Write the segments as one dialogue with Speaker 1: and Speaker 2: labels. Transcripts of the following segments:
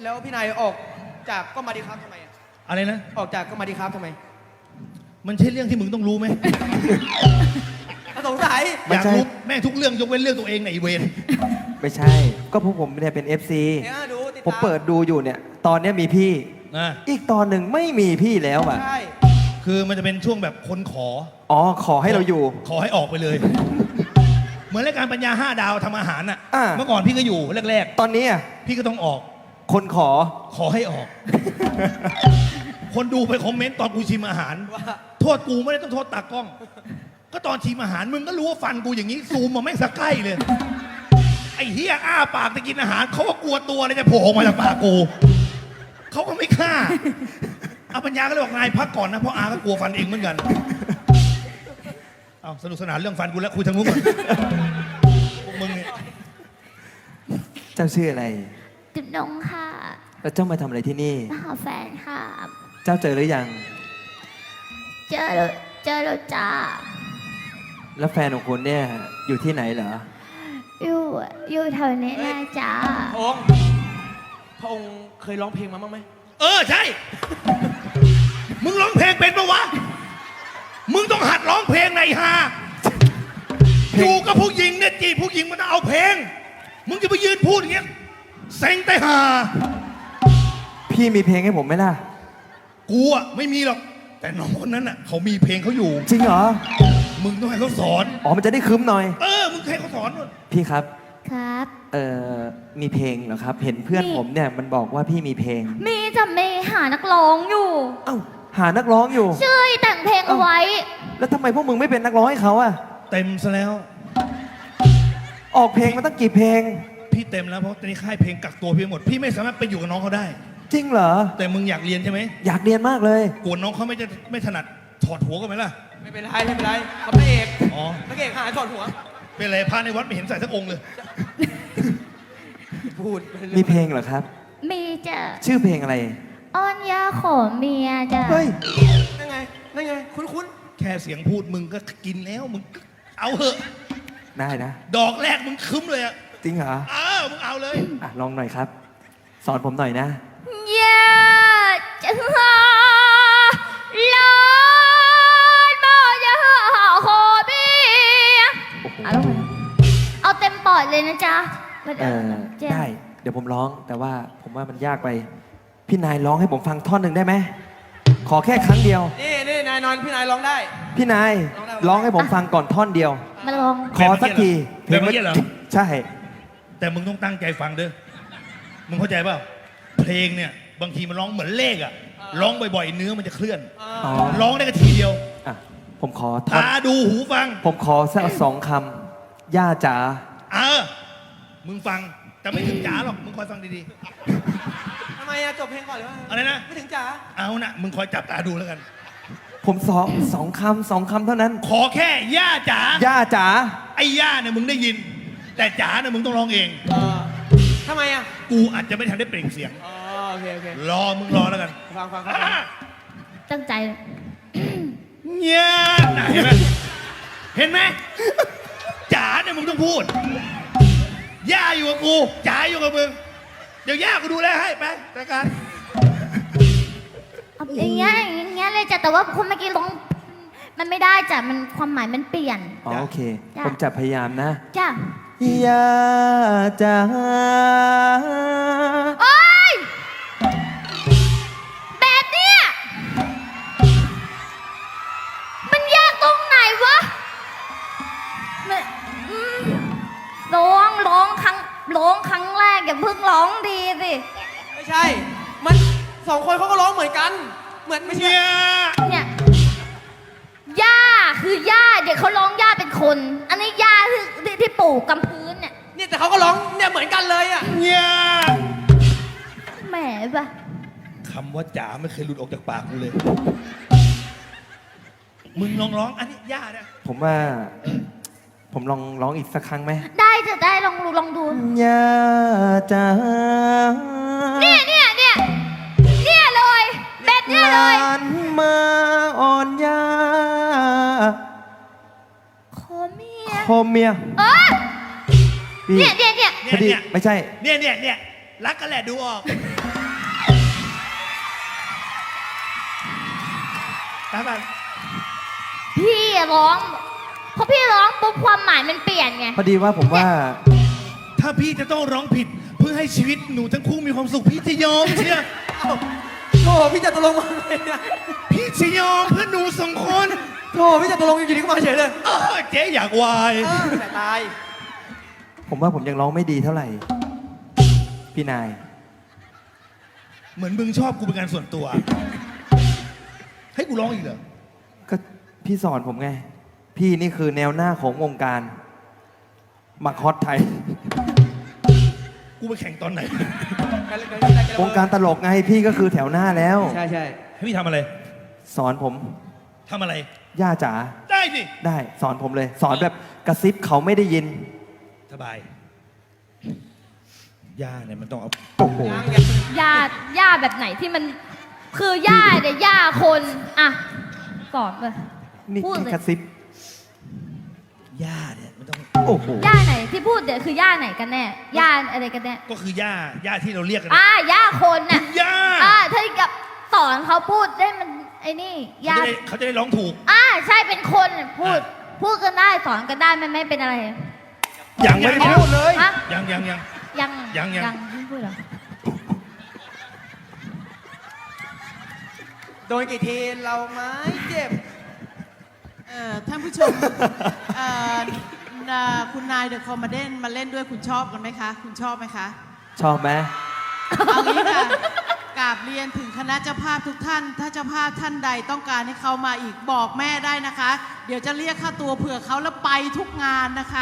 Speaker 1: แล้วพี่นายออกจากก็มาดีครับทำไม
Speaker 2: อะไรนะ
Speaker 1: ออกจากก็มาดีครับทำไม
Speaker 2: มันใช่เรื่องที่มึงต้องรู้ไหม
Speaker 1: สงสัย
Speaker 2: อยากรู้แม่งทุกเรื่องยกเว้นเรื่องตัวเองในอีเวน
Speaker 3: ไม่ใช่ก็พวกผมเนี่ยเป็น FC ผมเปิดดูอยู่เนี่ยตอนนี้มีพี่อีกตอนหนึ่งไม่มีพี่แล้วอ่ะ
Speaker 1: ใช่
Speaker 2: คือมันจะเป็นช่วงแบบคน
Speaker 3: ขอให้เราอยู่
Speaker 2: ขอให้ออกไปเลย เหมือนรายการปัญญา5 ดาวทำอาหารอ่ะเมื่อก่อนพี่ก็อยู่แรก
Speaker 3: ๆตอนนี้
Speaker 2: พี่ก็ต้องออก
Speaker 3: คนข
Speaker 2: อให้ออก คนดูไปคอมเมนต์ตอนกูชิมอาหารโทษกูไม่ได้ต้องโทษตากล้อง ก็ตอนชิมอาหารมึงก็รู้ว่าฟันกูอย่างนี้ซูมมาแม่งสักใกล้เลยไอ้เฮียอ้าปากจะกินอาหารเขาก็กลัวตัวเลยจะโผล่ออกมาจากปากกูเขาก็ไม่ฆ่าอาปัญญาก็เลยบอกนายพักก่อนนะเพราะอาก็กลัวฟันเองเหมือนกันเอาสนุกสนานเรื่องฟันกูแล้วคุยทางนู้นก่อนพวกมึงเนี่ย
Speaker 3: เจ้าชื่ออะไร
Speaker 4: จุดนงค่ะ
Speaker 3: แล้วเจ้ามาทำอะไรที่นี่
Speaker 4: มาหาแฟนค่ะ
Speaker 3: เจ้าเจอหรือยัง
Speaker 4: เจอแล้วจ้า
Speaker 3: แล้วแฟนของคุณเนี่ยอยู่ที่ไหนเหรอ
Speaker 4: อยู่แถวนี้นะจ้า
Speaker 1: พระองค์เคยร้องเพลงมาบ้างไหม
Speaker 2: ใช่ มึงร้องเพลงเป็นปะวะมึงต้องหัดร้องเพลงในฮาอยู่กับผู้หญิงเนี่ยจีบผู้หญิงมันต้องเอาเพลงมึงจะไปยืนพูดอย่างเงี้ยเซ็งแต่ฮา
Speaker 3: พี่มีเพลงให้ผมไหมล่ะ
Speaker 2: กูอ่ะไม่มีหรอกแต่น้องคนนั้นอ่ะเขามีเพลงเขาอยู่
Speaker 3: จริงเหรอ
Speaker 2: มึงต้องให้เขาสอน
Speaker 3: มันจะได้คึ้มหน่อย
Speaker 2: มึงให้เขาสอน
Speaker 3: พี่ครับ
Speaker 4: ครับ
Speaker 3: มีเพลงเหรอครับเห็นเพื่อนผมเนี่ยมันบอกว่าพี่มีเพลง
Speaker 4: มีจะไม่หานักร้องอยู่
Speaker 3: หานักร้องอยู่
Speaker 4: ช่วยแต่งเพลงเอาไว้
Speaker 3: แล้วทำไมพวกมึงไม่เป็นนักร้องให้เขาอะ
Speaker 2: เต็มซะแล้ว
Speaker 3: ออกเพลงมาตั้งกี่เพลง
Speaker 2: พี่เต็มแล้วเพราะตอนนี้ค่ายเพลงกักตัวพี่หมดพี่ไม่สามารถไปอยู่กับน้องเขาได้
Speaker 3: จริงเหรอ
Speaker 2: แต่มึงอยากเรียนใช่ไหม
Speaker 3: อยากเรียนมากเลย
Speaker 2: กวนน้องเขาไม่ถนัดถอดหัวกันไหมล่ะ
Speaker 1: ไม่เป็นไรเขาพระเอกพระเอกหาถอดหัว
Speaker 2: เป็นไรพระในวัดไม่เห็นใส่สักองค์เลย
Speaker 1: พูด
Speaker 3: มีเพลงเหรอครับ
Speaker 4: มีจ้ะ
Speaker 3: ชื่อเพลงอะไร
Speaker 4: อ้อนยาขอเมียจ้ะ
Speaker 3: เฮ้ย
Speaker 1: นั่นไงคุ้น
Speaker 2: แค่เสียงพูดมึงก็กินแล้วมึงเอาเหอะ
Speaker 3: ได้นะ
Speaker 2: ดอกแรกมึงคึ้มเลยอะ
Speaker 3: จริงเหรอ
Speaker 2: มึงเอาเลย
Speaker 3: ลองหน่อยครับสอนผมหน่อยนะ
Speaker 4: ยาจะหาลอนบ่จะหาขอเมียเอาเต็มปอดเลยนะจ๊ะ
Speaker 3: ได้เดี๋ยวผมร้องแต่ว่าผมว่ามันยากไปพี่นายร้องให้ผมฟังท่อนหนึ่งได้ไหมขอแค่ครั้งเดียว
Speaker 1: นี่นายนอนพี่นายร้องได้
Speaker 3: พี่นายร้องให้ผมฟังก่อนท่อนเดียว
Speaker 4: มาลอง
Speaker 3: ขอสักที
Speaker 2: เพลงเมื่อกี้เหรอ
Speaker 3: ใช่
Speaker 2: แต่มึงต้องตั้งใจฟังเด้อมึงเข้าใจเปล่าเพลงเนี่ยบางทีมันร้องเหมือนเลขอะร้องบ่อยๆเนื้อมันจะเคลื่อนร้องได้แค่ทีเดียว
Speaker 3: ผมขอ
Speaker 2: ตาดูหูฟัง
Speaker 3: ผมขอสัก2 คำย่าจ๋า
Speaker 2: มึงฟังแต่ไม่ถึงจ๋าหรอกมึงคอยฟังดี
Speaker 1: ๆทำไมจบเพลงก่อนหรือว่า
Speaker 2: อะไรนะ
Speaker 1: ไม่ถึงจ๋า
Speaker 2: เอานะมึงคอยจับตาดูแล้วกัน
Speaker 3: ผมสองคำเท่านั้น
Speaker 2: ขอแค่ย่าจ๋า
Speaker 3: ย่าจ๋า
Speaker 2: ไอ้ย่าเนี่ยมึงได้ยินแต่จ๋าเนี่ยมึงต้องร้องเอง
Speaker 1: ทำไม
Speaker 2: กูอาจจะไม่ทันได้เปล่งเสียง
Speaker 1: โอเค
Speaker 2: มึงรอแล้วกัน
Speaker 1: ฟัง
Speaker 4: ตั้งใจ
Speaker 2: เนี่ยเห็นไหมจ๋าเนี่ยมึงต้องพูดย่าอยู่กับกูจ๋าอยู่กับมึงเดี๋ยวย่ากูดูแลให้ไปรายการ
Speaker 4: อย่างเงี้ยเลยจ้ะแต่ว่าคนเมื่อกี้ร้องมันไม่ได้จ้ะมันความหมายมันเปลี่ยน
Speaker 3: โอเคผมจะพยายามนะ
Speaker 4: จ้ะ
Speaker 3: ย่าจ๋า
Speaker 4: โอ๊ยแบบเนี้ยมันยากตรงไหนวะร้องครั้งแรกอย่าเพิ่งร้องดีสิ
Speaker 1: ไม่ใช่มัน2 คนเขาก็ร้องเหมือนกันเหมือนไม่ใช่
Speaker 4: เนี่ยย่าคือย่าเด็กเขาร้องย่าเป็นคนอันนี้ย่าคือที่ปลูกกำพื้นเนี่ย
Speaker 1: แต่เขาก็ร้องเนี่ยเหมือนกันเลย
Speaker 2: เนี่ย
Speaker 4: แหมปะ
Speaker 2: คำว่าจ๋าไม่เคยหลุดออกจากปากกูเลยมึงลองร้องอันนี้ย่าเนี่ย
Speaker 3: ผมว่าผมลองร้องอีกสักครั้งไหม
Speaker 4: ได้จะได้ลองดู
Speaker 3: ย่าจ๋า
Speaker 4: เนี่ยเลยแบบเนี้ยเลย
Speaker 3: หลานมาอ่อนยา
Speaker 4: ขอเมีย
Speaker 3: เนี่ย
Speaker 4: พอดีไม่ใช่
Speaker 2: เนี่ยรักกันแหละดูออกตาบัน
Speaker 4: พี่ร้องพอพี่ร้องปุ๊บความหมายมันเปลี่ยนไง
Speaker 3: พอดีว่าผมว่า
Speaker 2: ถ้าพี่จะต้องร้องผิดเพื่อให้ชีวิตหนูทั้งคู่มีความสุขพี่จะยอมเชีย
Speaker 1: เอ้าโธ่พี่จะตกลงมาเลยนะ
Speaker 2: พี่จะยอมเพื่อหนูสองคน
Speaker 1: โธ่พี่จะตกลงอยู่ดีก็มาเฉยเลย
Speaker 2: เจ๊อยากวาย
Speaker 1: แต่ตาย
Speaker 3: ผมว่าผมยังร้องไม่ดีเท่าไหร่ พี่นาย
Speaker 2: เหมือนมึงชอบกูเป็นการส่วนตัว ให้กูร้องอีกเหรอ
Speaker 3: ก็พี่สอนผมไง พี่นี่คือแนวหน้าของวงการมักฮอตไทย
Speaker 2: กูไปแข่งตอนไหน
Speaker 3: วงการตลกไงพี่ก็คือแถวหน้าแล้ว
Speaker 1: ใช่ใช่
Speaker 2: ให้พี่ทำอะไร
Speaker 3: สอนผม
Speaker 2: ทำอะไร
Speaker 3: ย่าจ๋า
Speaker 2: ได้สิ
Speaker 3: ได้สอนผมเลย สอนแบบกระซิบเขาไม่ได้ยิน
Speaker 2: สบายย่าเนี่ยมันต้องเอา
Speaker 3: โอ้โห
Speaker 4: ย่าแบบไหนที่มันคือย่าเนี่ยย่าคนอ่ะสอนเลย
Speaker 3: นี่
Speaker 4: พูด
Speaker 3: แค่
Speaker 4: เลย
Speaker 3: กระซิบ
Speaker 2: ย่าเนี่ยมันต้อง
Speaker 3: โอ้โห
Speaker 4: ย่าไหนที่พูดเดี๋ยวคือย่าไหนกันแน่ย่าอะไรกันแน่
Speaker 2: ก็คือย่าที่เราเรียกกัน
Speaker 4: ย่าคนน่ะ
Speaker 2: ย่า
Speaker 4: ถ้ากับสอนเขาพูดได้มันไอ้นี่ย่า
Speaker 2: เขาจะได้ร้องถูก
Speaker 4: ใช่เป็นคนน่ะพูดกันได้สอนกันได้มันไม่เป็นอะไร
Speaker 2: ยังไม่ได้พูดเลย
Speaker 4: ฮะ
Speaker 2: ยัง
Speaker 4: ยัง ไม่พูดเหรอ
Speaker 1: โดนกี่ทีเราไม้เจ็บ
Speaker 5: ท่านผู้ชมคุณนายเดอะคอมมาเดนมาเล่นด้วยคุณชอบกันไหมคะ คุณชอบไหมคะ
Speaker 3: ชอบไหม
Speaker 5: เอางี้ค่ะกราบเรียนถึงคณะเจ้าภาพทุกท่าน ถ้าเจ้าภาพท่านใดต้องการให้เขามาอีกบอกแม่ได้นะคะ เดี๋ยวจะเรียกค่าตัวเผื่อเขาแล้วไปทุกงานนะคะ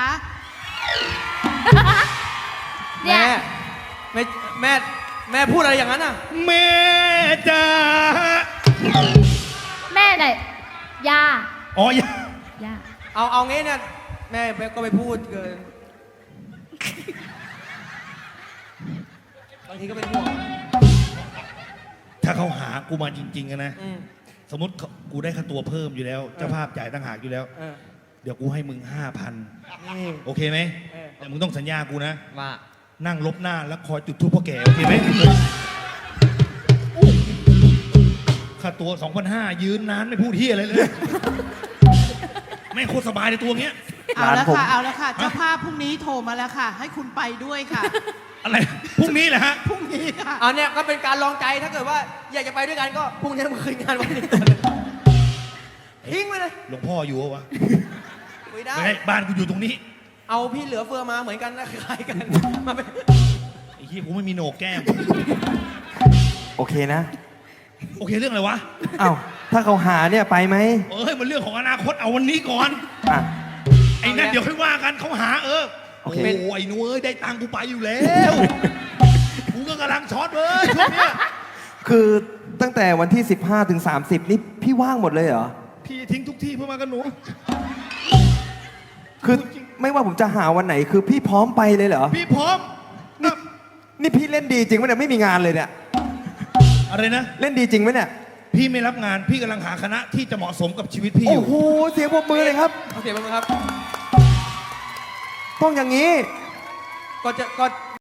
Speaker 4: เนี่ย
Speaker 1: แม่พูดอะไรอย่างนั้นอ่ะ
Speaker 2: แม่จ๋า
Speaker 4: แม่ไหนย่า
Speaker 2: อ๋อย่า
Speaker 4: ย่า
Speaker 1: เอางี้เนี่ยแม่ก็ไปพูดเกินบางทีก็เป็นห่วง
Speaker 2: ถ้าเขาหากูมาจริงๆอะนะ
Speaker 1: อืม
Speaker 2: สมมติกูได้ค่าตัวเพิ่มอยู่แล้ว เจ้าภาพจ่ายต่างหากอยู่แล้ว เดี๋ยวกูให้มึง 5,000 โอเคไหม แต่มึงต้องสัญญากูนะ
Speaker 1: ว่า
Speaker 2: นั่งลบหน้าแล้วคอยจุดทูปพ่อแก่โอเคไหมค่าตัว 2,500 ยืนนานไม่พูดเฮียอะไรเลย แม่งโคตรสบายในตัวเงี้ย
Speaker 5: เอาแล้ว
Speaker 3: ผม
Speaker 5: ค่ะ เอาแล้วค่ะ เจ้าภาพพรุ่งนี้โทรมาแล้วค่ะ ให้คุณไปด้วยค่ะ
Speaker 2: อะไร พรุ่งนี้แหละฮะ
Speaker 5: พรุ่งนี้ค่ะ
Speaker 1: อันเนี้ยก็เป็นการลองใจถ้าเกิดว่าอยากจะไปด้วยกันก็พรุ่งนี้มาคืนงานวันนี้ทิ้งไปเลย
Speaker 2: หลวงพ่ออยู่วะ
Speaker 1: ไม่ได้
Speaker 2: ไม่ได้บ้านกูอยู่ตรงนี้
Speaker 1: เอาพี่เหลือเฟือมาเหมือนกันนะคล้ายกันมาเป็น
Speaker 2: ไอ้เหี้ยกูไม่มีโหนกแก้ม
Speaker 3: โอเคนะ
Speaker 2: โอเคเรื่องอะไรวะ
Speaker 3: เอ้าถ้าเขาหาเนี่ยไปไหม
Speaker 2: เอ้ยมันเรื่องของอนาคตเอาวันนี้ก่อน
Speaker 3: อ่ะ
Speaker 2: ไอ้นั่นเดี๋ยวค่อยว่ากันเขาหาโอ้
Speaker 3: โอเค
Speaker 2: โหไอ้หนูเอ้ยได้ตังค์กูไปอยู่แล้วกูก็กำลังช็อตเลยช่วงเนี้ย
Speaker 3: คือตั้งแต่วันที่ 15 ถึง 30 นี่พี่ว่างหมดเลยเหรอ
Speaker 2: พี่ทิ้งทุกที่เพื่อมากับหนู
Speaker 3: คือไม่ว่าผมจะหาวันไหน คือพี่พร้อมไปเลยเหรอ
Speaker 2: พี่พร้อม
Speaker 3: นี่พี่เล่นดีจริงไหมเนี่ยไม่มีงานเลยเนี่ย
Speaker 2: อะไรนะ
Speaker 3: เล่นดีจริงไหมเนี่ย
Speaker 2: พี่ไม่รับงานพี่กำลังหาคณะที่จะเหมาะสมกับชีวิตพี่อ
Speaker 3: โอ้
Speaker 2: ยู่
Speaker 3: โห เสียงปรบมือเลยครับ
Speaker 1: เอาเสียงมาครับ
Speaker 3: ต้องอย่างนี้
Speaker 1: ก็